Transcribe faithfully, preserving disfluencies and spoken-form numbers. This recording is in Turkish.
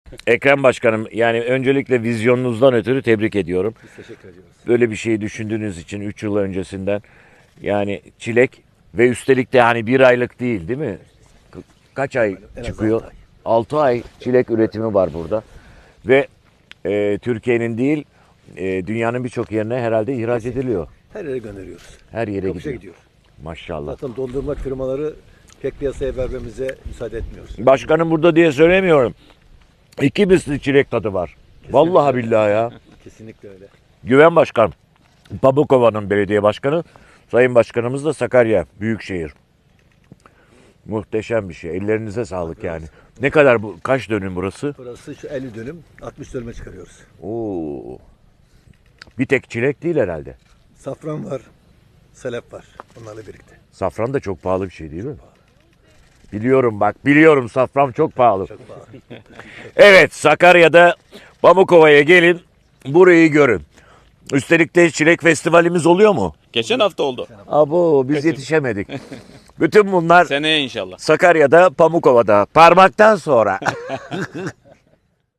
Ekrem Başkanım, yani öncelikle vizyonunuzdan ötürü tebrik ediyorum. Biz teşekkür ediyoruz. Böyle bir şeyi düşündüğünüz için üç yıl öncesinden, yani çilek ve üstelik de hani bir aylık değil değil mi? Ka- Kaç ay En az çıkıyor? altı ay. altı ay çilek üretimi var burada. Ve e, Türkiye'nin değil e, dünyanın birçok yerine herhalde ihraç ediliyor. Her yere gönderiyoruz. Her yere Çok şey gidiyor. gidiyor. Maşallah. Zaten dondurma firmaları pek piyasaya vermemize müsaade etmiyoruz. Başkanım burada diye söylemiyorum. İki misli çilek tadı var. Vallahi billahi ya. Kesinlikle öyle. Güven Başkan, Pamukova'nın belediye başkanı, Sayın Başkanımız da Sakarya Büyükşehir. Muhteşem bir şey. Ellerinize sağlık yani. Ne kadar bu? Kaç dönüm burası? Burası şu elli dönüm, altmış dönüme çıkarıyoruz. Oo. Bir tek çilek değil herhalde. Safran var, salep var. Onlarla birlikte. Safran da çok pahalı bir şey değil mi? Biliyorum bak, biliyorum safran çok pahalı. Çok pahalı. Evet, Sakarya'da Pamukova'ya gelin, burayı görün. Üstelik de çilek festivalimiz oluyor mu? Geçen hafta oldu. Abo biz yetişemedik. Bütün bunlar Seneye inşallah. Sakarya'da, Pamukova'da, parmaktan sonra.